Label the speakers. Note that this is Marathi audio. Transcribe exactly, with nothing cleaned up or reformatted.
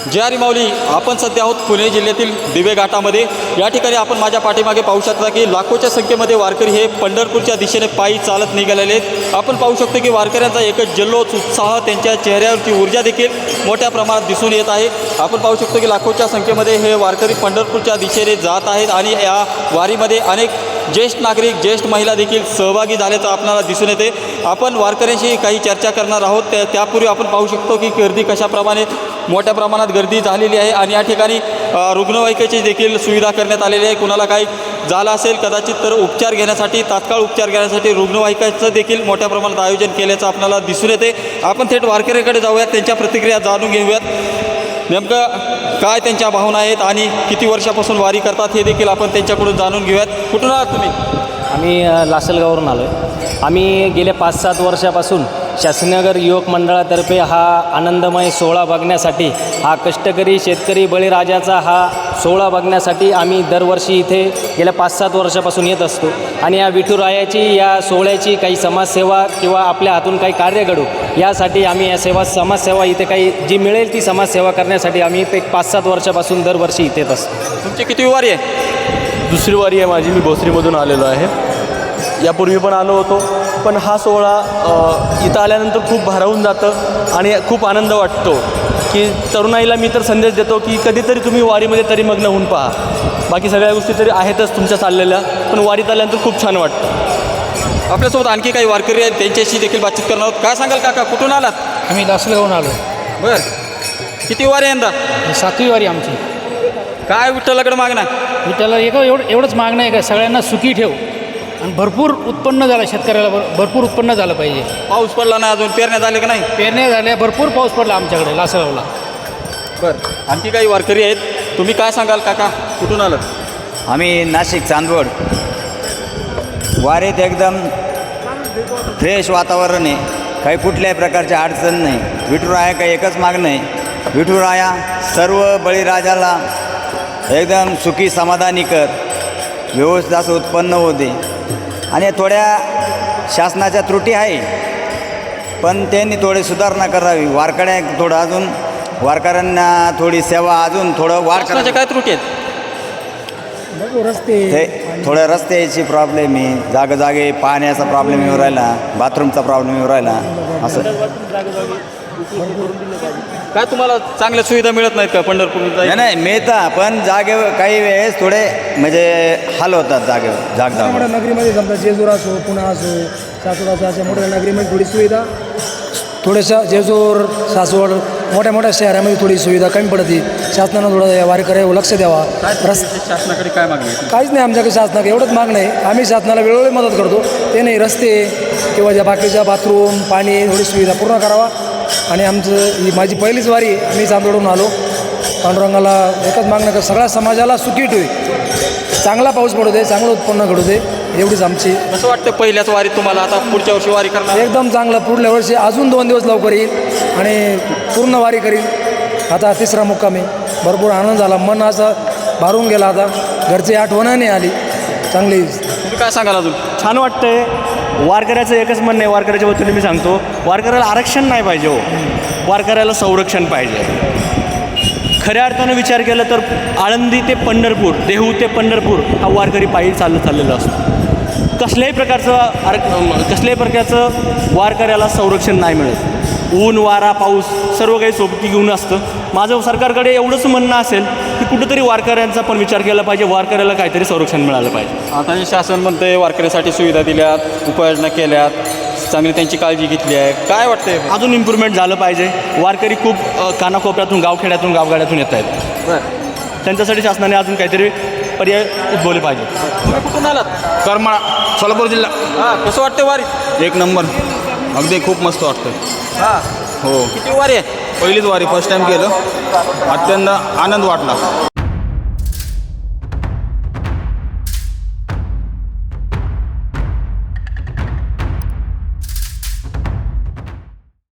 Speaker 1: जे आर माऊली, आपण सध्या आहोत पुणे जिल्ह्यातील दिवे घाटामध्ये. या ठिकाणी आपण माझ्या पाठीमागे पाहू शकता की लाखोच्या संख्येमध्ये वारकरी हे पंढरपूरच्या दिशेने पायी चालत निघालेले आहेत. आपण पाहू शकतो की वारकऱ्यांचा एकच जल्लोष, उत्साह, त्यांच्या चेहऱ्यावरची ऊर्जा देखील मोठ्या प्रमाणात दिसून येत आहे. आपण पाहू शकतो की लाखोच्या संख्येमध्ये हे वारकरी पंढरपूरच्या दिशेने जात आहेत आणि या वारीमध्ये अनेक ज्येष्ठ नागरिक, ज्येष्ठ महिला देखील सहभागी झाल्याचं आपल्याला दिसून येते. आपण वारकऱ्यांशी काही चर्चा करणार आहोत. त्या त्यापूर्वी आपण पाहू शकतो की गर्दी कशाप्रमाणे मोठ्या प्रमाणात गर्दी झालेली आहे आणि या ठिकाणी रुग्णवाहिकेची देखील सुविधा करण्यात आलेली आहे. कुणाला काही झालं असेल कदाचित तर उपचार घेण्यासाठी, तात्काळ उपचार घेण्यासाठी रुग्णवाहिकाचं देखील मोठ्या प्रमाणात आयोजन केल्याचं आपल्याला दिसून येते. आपण थेट वारकऱ्याकडे जाऊयात, त्यांच्या प्रतिक्रिया जाणून घेऊयात. नेमकं काय त्यांच्या भावना आहेत आणि किती वर्षापासून वारी करतात हे देखील आपण त्यांच्याकडून जाणून घेऊयात. कुठून आहात तुम्ही?
Speaker 2: आम्ही लासलगावरून आलो आहे. आम्ही गेल्या पाच सात वर्षापासून शास्त्रीनगर युवक मंडळातर्फे हा आनंदमय सोहळा बघण्यासाठी, हा कष्टकरी शेतकरी बळीराजाचा हा सोहळा बघण्यासाठी आम्ही दरवर्षी इथे गेल्या पाच सात वर्षापासून येत असतो. आणि या विठुरायाची, या सोहळ्याची काही समाजसेवा किंवा आपल्या हातून काही कार्य घडू यासाठी आम्ही या सेवा समाजसेवा इथे काही जी मिळेल ती समाजसेवा करण्यासाठी आम्ही इथे पाच सात वर्षापासून दरवर्षी इथे येत असतो.
Speaker 1: तुमची किती वारी आहे?
Speaker 3: दुसरी वारी आहे माझी. मी भोसरीमधून आलेलो आहे. यापूर्वी पण आलो होतो, पण हा सोहळा इथं आल्यानंतर खूप भारावून जातं आणि खूप आनंद वाटतो की तरुणाईला मी तर संदेश देतो की कधीतरी तुम्ही वारीमध्ये तरी मग्न होऊन पहा. बाकी सगळ्या गोष्टी तरी आहेतच तुमच्या चाललेल्या, पण वारीत आल्यानंतर खूप छान वाटतं.
Speaker 1: आपल्यासोबत आणखी काही वारकरी आहेत, त्यांच्याशी देखील बातचीत करणार आहोत. काय सांगाल काका, कुठून आलात?
Speaker 4: आम्ही लासलगावून आलो.
Speaker 1: बरं, किती वारी यंदा?
Speaker 4: सातवी वारी आमची.
Speaker 1: काय विठ्ठलाकडे मागणं?
Speaker 4: विठ्ठला एक एवढं एवढंच मागणं आहे का सगळ्यांना सुखी ठेव आणि भरपूर उत्पन्न झालं, शेतकऱ्याला भर भरपूर उत्पन्न झालं पाहिजे.
Speaker 1: पाऊस पडला ना अजून, पेरण्या झाले का नाही?
Speaker 4: पेरण्या झाल्या, भरपूर पाऊस पडला आमच्याकडे लासलगावला.
Speaker 1: बरं, आणखी काही वारकरी आहेत. तुम्ही काय सांगाल काका, कुठून आलं?
Speaker 5: आम्ही नाशिक चांदवड. वारीत एकदम फ्रेश वातावरण आहे, काही कुठल्याही प्रकारची अडचण नाही. विठुराया काही एकच मागणं आहे, विठुराया सर्व बळीराजाला एकदम सुखी समाधानी कर, व्यवस्थित असं उत्पन्न होते. आणि थोड्या शासनाच्या त्रुटी आहे, पण त्यांनी थोडी सुधारणा करावी. वारकऱ्या थोडं अजून वारकऱ्यांना थोडी सेवा अजून थोडं वाढ
Speaker 1: शासनाच्या काय त्रुटी आहेत?
Speaker 4: रस्ते
Speaker 5: ते थोड्या रस्त्याची प्रॉब्लेम आहे, जागोजागे पाण्याचा प्रॉब्लेम येऊ राहिला, बाथरूमचा प्रॉब्लेम येऊ राहिला. असं
Speaker 1: काय तुम्हाला चांगल्या सुविधा मिळत नाहीत का पंढरपूरला?
Speaker 5: नाही नाही मिळता, पण जागे काही वेळेस थोडे म्हणजे हाल होतात जागेवर जागदा.
Speaker 6: मोठ्या नगरीमध्ये समजा जेजूर असो, पुणा असो, सासवड असो, अशा मोठ्या नगरीमध्ये थोडी सुविधा, थोड्याशा जेजूर, सासवड मोठ्या मोठ्या शहरामध्ये थोडी सुविधा कमी पडते. शासनानं थोडं वारकऱ्यावर लक्ष द्यावा. रस
Speaker 1: शासनाकडे काय मागणी आहे?
Speaker 6: काहीच नाही आमच्याकडे शासनाकडे, एवढंच मागणं आहे. आम्ही शासनाला वेळोवेळी मदत करतो. ते नाही, रस्ते किंवा ज्या बाकीच्या बाथरूम, पाणी, थोडी सुविधा पूर्ण करावा. आणि आमचं ही माझी पहिलीच वारी आहे. आम्ही चांदोडून आलो. पांडुरंगाला एकच मागणं कर, सगळ्या समाजाला सुखी ठेवी, चांगला पाऊस पडू दे, चांगलं उत्पन्न घडू दे, एवढीच आमची.
Speaker 1: कसं वाटतं पहिल्याच वारीत तुम्हाला? आता पुढच्या वर्षी वारी करणार?
Speaker 6: एकदम चांगलं. पुढल्या वर्षी अजून दोन दिवस लवकर येईल आणि पूर्ण वारी करील. आता तिसरा मुक्काम आहे. भरपूर आनंद झाला, मन असं भारून गेला. आता घरची आठवण नाही आली चांगली.
Speaker 1: तुम्ही काय सांगाल अजून?
Speaker 3: छान वाटतंय. वारकऱ्याचं एकच म्हणणं आहे, वारकऱ्याच्या वतीने मी सांगतो, वारकऱ्याला आरक्षण नाही पाहिजे हो, वारकऱ्याला संरक्षण पाहिजे. खऱ्या अर्थानं विचार केला तर आळंदी ते पंढरपूर, देहू ते पंढरपूर हा वारकरी पायी चालत चाललेला असतो. कसल्याही प्रकारचं आर कसल्याही प्रकारचं वारकऱ्याला संरक्षण नाही मिळत. ऊन, वारा, पाऊस सर्व काही सोबती घेऊन असतं. माझं सरकारकडे एवढंच म्हणणं असेल की कुठंतरी वारकऱ्यांचा पण विचार केला पाहिजे, वारकऱ्याला काहीतरी संरक्षण मिळालं पाहिजे.
Speaker 1: आता हे शासन म्हणतंय वारकऱ्यासाठी सुविधा दिल्यात, उपाययोजना केल्यात, चांगली त्यांची काळजी घेतली आहे. काय वाटतंय?
Speaker 3: अजून इम्प्रूव्हमेंट झालं पाहिजे. वारकरी खूप अ, कानाकोपऱ्यातून, गावखेड्यातून, गावगाड्यातून येत आहेत.
Speaker 1: बरं,
Speaker 3: त्यांच्यासाठी शासनाने अजून काहीतरी पर्याय उद्भवले पाहिजे.
Speaker 1: तुम्ही कुठून आलात?
Speaker 7: करमाळा, सोलापूर जिल्हा.
Speaker 1: हां, कसं वाटतं वारी?
Speaker 7: एक नंबर, अगदी खूप मस्त वाटतं.
Speaker 1: हां,
Speaker 7: हो,
Speaker 1: किती वारी आहे?
Speaker 7: पहिलीच वारी, फर्स्ट टाईम केलं, अत्यंत आनंद वाटला.